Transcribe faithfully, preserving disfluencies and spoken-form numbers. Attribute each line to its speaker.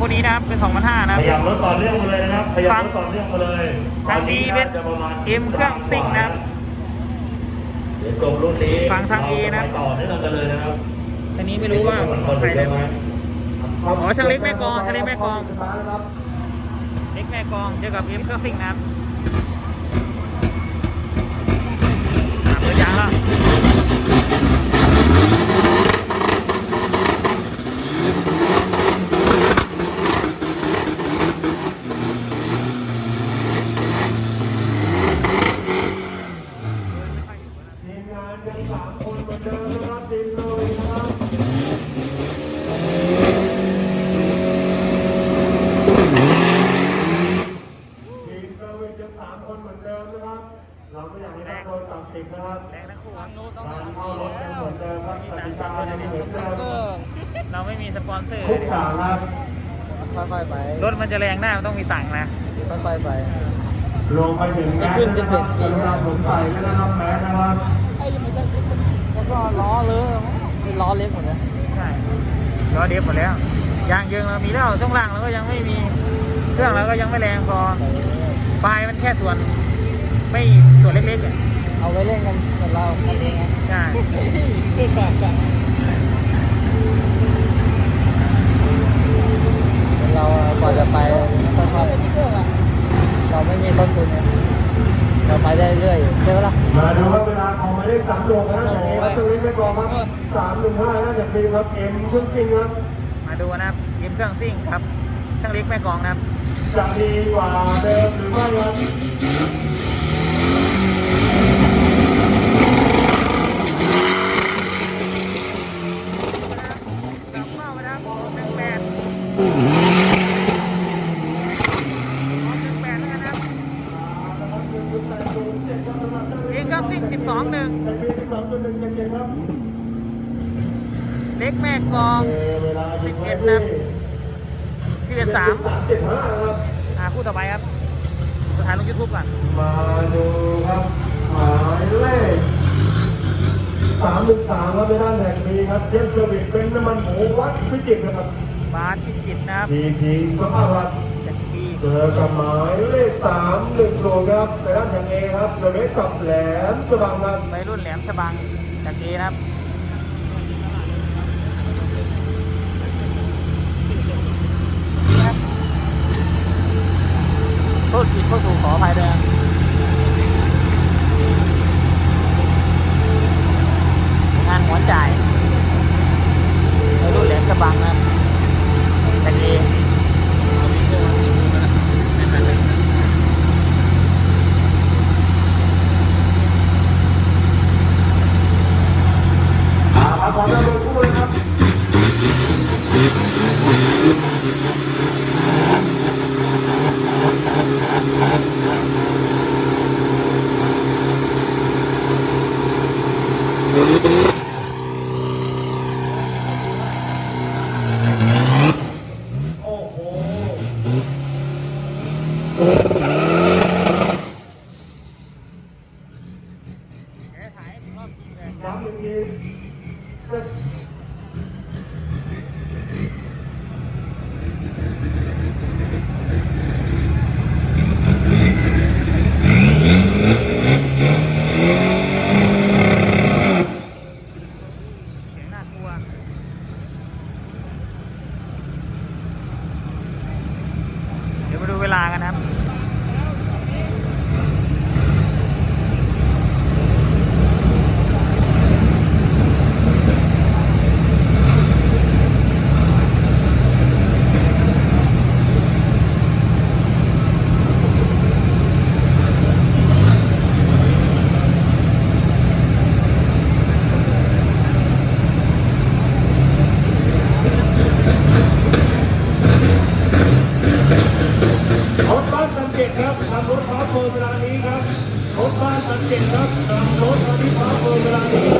Speaker 1: คู่นี้นะครับเป็นสองพันห้านะครับ
Speaker 2: ขยับรถต่อเนื่องมาเลยนะครับขยับรถต่อเนื่องมาเลย
Speaker 1: ทางนี้เป็นเอ็มเครื่องซิ่งนะครับ
Speaker 2: เดี๋ยวจบรุ่นนี้
Speaker 1: ฟังทาง A นะ
Speaker 2: ต่อเนื่องกันเลยนะครับ
Speaker 1: อันนี้ไม่รู้ว่าใครได้ไหมอ๋อช่างเล็กแม่กองช่างเล็กแม่กองเล็กแม่กองเจอกับเอ็มเครื่องซิ่งนะครับเปิดยางแล้ว
Speaker 3: เราไม่อยากให้นักโดนตัดสินนะครับ
Speaker 1: แรงทั้งคู่ครับ
Speaker 3: การเข้ารถยังเหมือนเดิมครับกติกายังเหมือนเดิม
Speaker 1: เราไม่มีสปอนเซอร์
Speaker 3: ทุกอย่างครับ
Speaker 4: ค่อยๆไป
Speaker 1: รถมันจะแรงได้มันต้องมีตังค์นะ
Speaker 4: ค่อยๆไป
Speaker 3: รวมไปถึงแมสนะครับกรุณาสวมใส่ด้วยนะครับแมสนะครับ
Speaker 4: ไอ้ยังไม่ได้แล้วก็ล้อเลยเป็นล้อเล็กหมดเลย
Speaker 1: ใช่ล้อเดฟหมดแล้วยางเยิงเรามีแล้วช่วงล่างเราก็ยังไม่มีเครื่องเราก็ยังไม่แรงพอไฟมันแค่ส่วนไม่ส่วนเล็กๆ
Speaker 4: เอาไว้เล่นกันกับเราคนเอง
Speaker 1: ใช่
Speaker 4: เรากว่าจะไปค่อยๆเราไม่มีต้นทุนเราไปได้เรื่อยใช่ไหมล่ะ
Speaker 3: มาดูว่าเวลาของหมายเลขสามดวงนะอย่างนี้ครับตรงนี้ไม่กองครับสามหนึ่งห้าน่าจะดีครับเอ็มเครื่องซิ่งครับ
Speaker 1: มาดูนะครับเอ็มเครื่องซิ่งครับช่างเล็กแม่กองนะครับ
Speaker 3: จะดีกว่าเดิมหรือไม่ครับ
Speaker 1: เองก็ซิ่งสิบสองหนึ่งเล็กแม่กองสิบเอ็ดนะสิบเอ็ดสามอ่าคู่ต่อไปครับสถานลงยูทูบก่อน
Speaker 3: มาดูครับหมายเลขสามหนึ่งสามครับในด้านแห่งนี้ครับเจมส์เซอร์วิสเป็นน้ำมันหมูวัดพิจิตรนะครับ
Speaker 1: บาสพิจิตรนะครับ
Speaker 3: ทีทีสภาพวัดเจอกับหมายเลขสามหนึ่งโลครับในด้านแห่งเอครับโดยเล็กกับแหลมฉบังครับ
Speaker 1: ไปรุ่นแหลมฉบังจากเอนะครับโทษผิดโทษถูกขออภัยด้วยงานหัวจ่ายไปรุ่นแหลมฉบังนะครับจากเอ
Speaker 3: ขอเริ่มเลยคู่เลยครับโอ้โห
Speaker 1: ถ่ายรอบทีเลย
Speaker 3: น้ำหนึ่งที
Speaker 1: เดี๋ยวมาดูเวลากันนะครับ
Speaker 3: ครับทำรถพาร์ทเวลานี้ครับรถบ้านสันเจ็ดครับทำรถที่พาร์ทเวลานี้